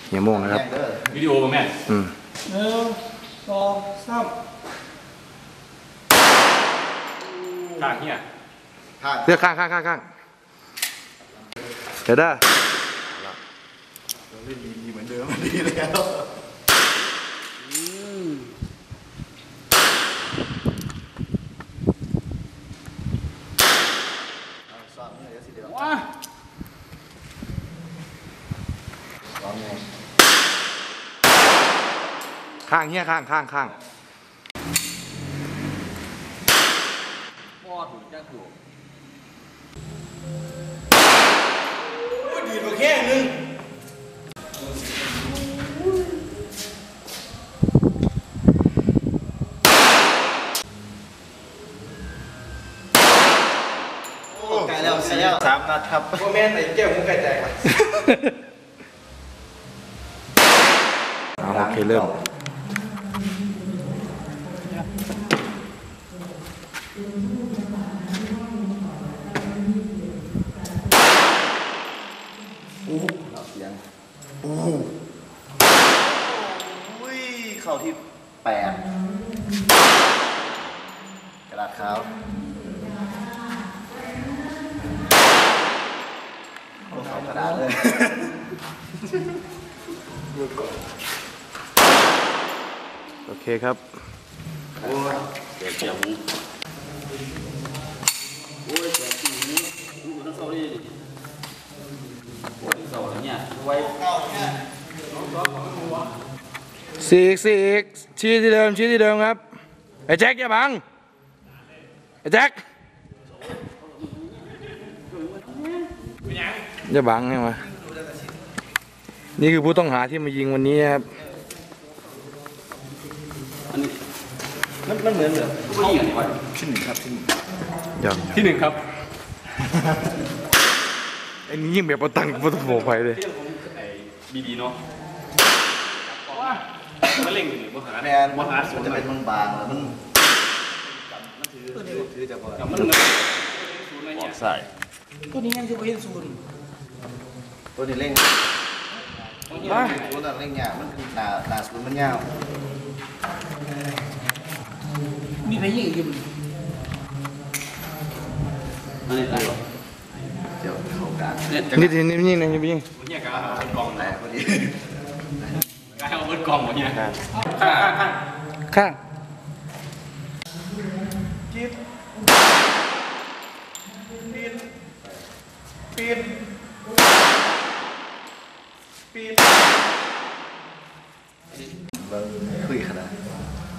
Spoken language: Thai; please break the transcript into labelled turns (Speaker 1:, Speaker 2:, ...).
Speaker 1: เฮียโม่งนะครับ
Speaker 2: วิดีโอป่ะแม่
Speaker 3: 1 2 3
Speaker 2: ข้างเนี่ย
Speaker 1: เลือกข้างเดี๋ยวได้
Speaker 3: ดีเหมือนเดิมดีแล้ว
Speaker 2: ว้า
Speaker 1: ข้างเฮียข้าง
Speaker 2: บอดหูจ้าถูก
Speaker 3: ดีกว่าแค่นึงไกลแล้ว3 นัดครับพ่อแม่ไหนแก้วมึงไก่แตกมา
Speaker 1: โอเคเริ่ม
Speaker 3: เสียงเข้าที่8กระดาษขาวเข้ากระดาษเลย
Speaker 1: โอเคครับ
Speaker 2: โอ้ยเจ็บหูโอ้ยเจ็บหูทั้งเศร้าดิปวดเศร้าอะไรเนี่ยไว้
Speaker 1: สี่ชี้ที่เดิมครับไอ้แจ็คอย่าบังไอ้แจ็คอย่าบังใช่ไหมนี่คือผู้ต้องหาที่มายิงวันนี้ครับ
Speaker 3: มันเหมือน
Speaker 2: ผู้หญิงอะไรวะ
Speaker 3: ที่ 1ครับ
Speaker 1: ที่
Speaker 2: 1ครับ
Speaker 1: ไอ้นี่ยิงแบบประตังประตูโผล่ไปเลย
Speaker 2: ดีเนาะมันเล่งอยู่นี่ว่าหา
Speaker 3: แมน
Speaker 2: ว่าหาสวน
Speaker 3: จะเป็นบางๆแล้วมันถือจะพอ
Speaker 2: มันปอดใส่
Speaker 3: ตัวนี้ยังจะไปเห็นศูนย์ตัวนี้เร่งตัวนี้เร่งยาวมันหนาศูนย์มันยาวมีใครยิงอยู่
Speaker 2: อันนี้อะไร
Speaker 3: เดี๋ยวเข้ากลาง
Speaker 1: นี่ยิง
Speaker 2: เนี่ยการเอากล่องไหนพอดีการเอาเบิร์ดกล่องวะเนี่ย
Speaker 1: ข้าง
Speaker 3: จิ๊บปีนคุยขนาด